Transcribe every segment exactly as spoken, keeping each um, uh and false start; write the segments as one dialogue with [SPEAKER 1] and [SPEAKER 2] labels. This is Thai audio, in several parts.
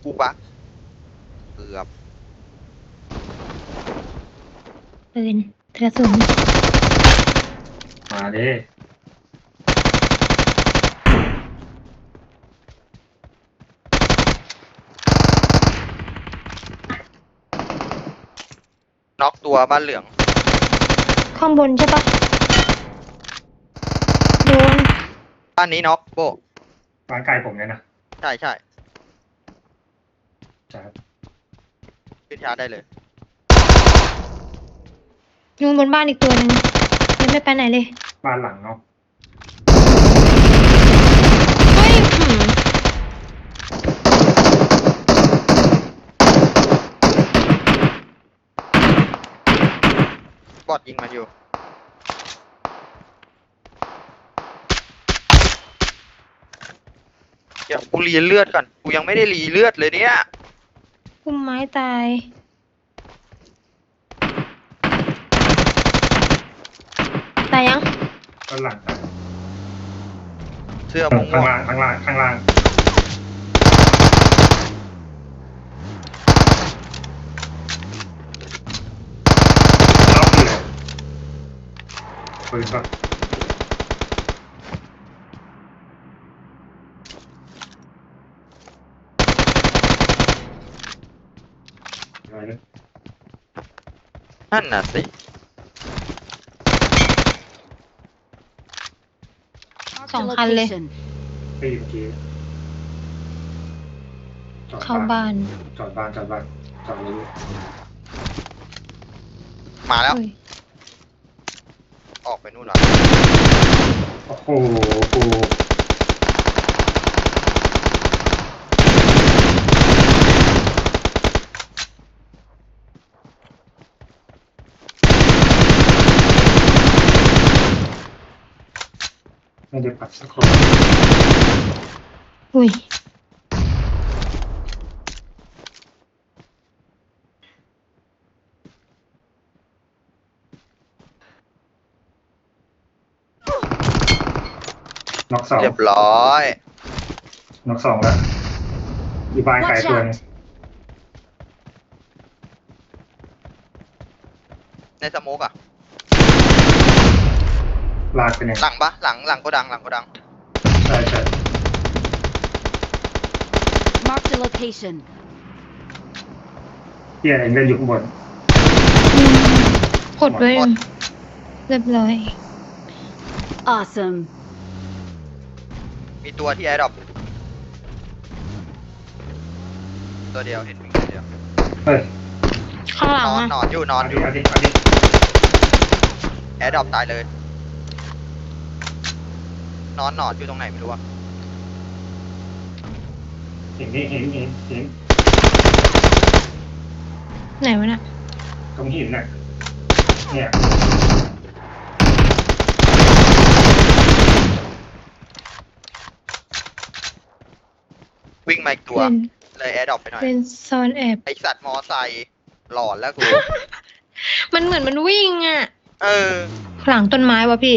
[SPEAKER 1] กูปะเกือบ
[SPEAKER 2] ปืนกระสุน
[SPEAKER 3] มาดิ
[SPEAKER 1] น็อกตัวบ้านเหลือง
[SPEAKER 2] ข้างบนใช่ปะโดน
[SPEAKER 1] บ้านนี้น็อกโบ
[SPEAKER 3] บ้านไกลผมเนี่ยนะ
[SPEAKER 1] ใช่ใช่
[SPEAKER 3] ใช่
[SPEAKER 1] ขึ้นชาร์จได้เลย
[SPEAKER 2] ยุงบนบ้านอีกตัวหนึ่งยังไม่ไปไหนเลย
[SPEAKER 3] บ้านหลังเนาะ
[SPEAKER 2] เฮ้ยหืม
[SPEAKER 1] บอดยิงมาอยู่เดี๋ยวกูรีเลือดก่อนกูยังไม่ได้รีเลือดเลยเนี่ย
[SPEAKER 2] พุ่มไม้ตายตายยัง
[SPEAKER 3] บ้านหลังตาย
[SPEAKER 1] เสื้อม่วง
[SPEAKER 3] ข้างล่างข้างล่างข้างล่างล็อกอยู่เลยปืนก็อะไรเนี่ย
[SPEAKER 1] นั่นน่ะสิ
[SPEAKER 2] สองคันเลย
[SPEAKER 3] ปีเมื่อกี้จอด
[SPEAKER 2] เข้าบ้าน
[SPEAKER 3] จอดบ้านจอดบ้านจอดเลย
[SPEAKER 1] มาแล้ว
[SPEAKER 2] เฮ้ย
[SPEAKER 1] ออกไปนู่นแล้ว
[SPEAKER 3] โอ้โหกูไม่ได้ปัดสักคน
[SPEAKER 2] อุ้ย
[SPEAKER 3] น็อกสอง
[SPEAKER 1] เรียบร้อย
[SPEAKER 3] น็อกสองแล้วอยู่บ้านไกลตัวนึง
[SPEAKER 1] ในสโมกอะ
[SPEAKER 3] ลากไปหนึ่ง
[SPEAKER 1] หลังปะหลังหลังก็ดังหลังก็ดัง
[SPEAKER 3] ใช่ใช่
[SPEAKER 4] Mark the location
[SPEAKER 3] เฮียเองเดินอยู่ข้างบน
[SPEAKER 2] กดไว้เรียบร้อย
[SPEAKER 4] Awesome
[SPEAKER 1] มีตัวที่แอร์ดรอปตัวเดียวเห็นวิ่งตัวเดียว
[SPEAKER 3] เฮ้ย
[SPEAKER 2] ข้างหลั
[SPEAKER 1] น
[SPEAKER 2] ง
[SPEAKER 1] อน
[SPEAKER 2] อ่ะ
[SPEAKER 1] นอนอยู่นอน
[SPEAKER 3] เอา
[SPEAKER 1] อ
[SPEAKER 3] ดิ
[SPEAKER 1] ยู่
[SPEAKER 3] เอาดิเอาดิ
[SPEAKER 1] แอร์ดรอปตายเลยนอนนอนอยู่ตรงไหนไม่รู้อะ
[SPEAKER 3] เห็นนี่เห็นเห็นเห็น
[SPEAKER 2] ไหนวะน่ะ
[SPEAKER 3] ตรงหินน่ะเนี่ย
[SPEAKER 1] วิ่งมาอีกตัว
[SPEAKER 2] เป็น
[SPEAKER 1] เลยแอร์ดรอปไปหน่อย
[SPEAKER 2] เป็นซอนแอบ
[SPEAKER 1] ไอสัตว์มอไซค์หลอนแล้วกู
[SPEAKER 2] มันเหมือนมันวิ่งอ่ะ
[SPEAKER 1] เออ
[SPEAKER 2] หลังต้นไม้วะพี่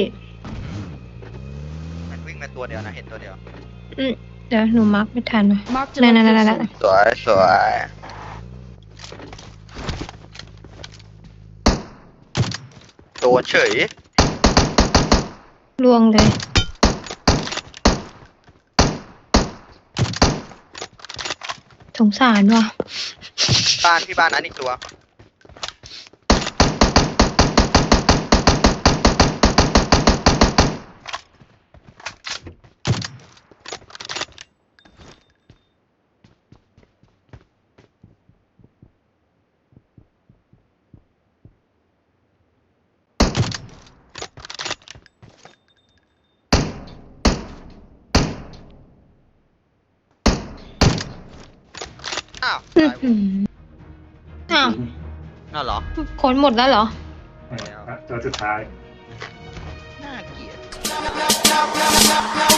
[SPEAKER 1] มันวิ่งมาตัวเดียวนะเห็นตัวเดียว
[SPEAKER 2] อืมเดี๋ยวหนูมาร์กไม่ทันวะ
[SPEAKER 4] Mark the
[SPEAKER 2] นั่นนั่นนั่น
[SPEAKER 4] location
[SPEAKER 1] สวยสวยโดนเฉย
[SPEAKER 2] ลวงเลยสงสารว่ะ
[SPEAKER 1] บ้านพี่บ้านนั้นอีกตัวอ้าว
[SPEAKER 2] อื้อ
[SPEAKER 1] ตาย
[SPEAKER 2] หืออ้าว
[SPEAKER 1] น่าเหรอ
[SPEAKER 2] ขนหมดแล้วเหรอ
[SPEAKER 3] เนี่ยตัวสุดท้าย
[SPEAKER 1] น่าเกลียด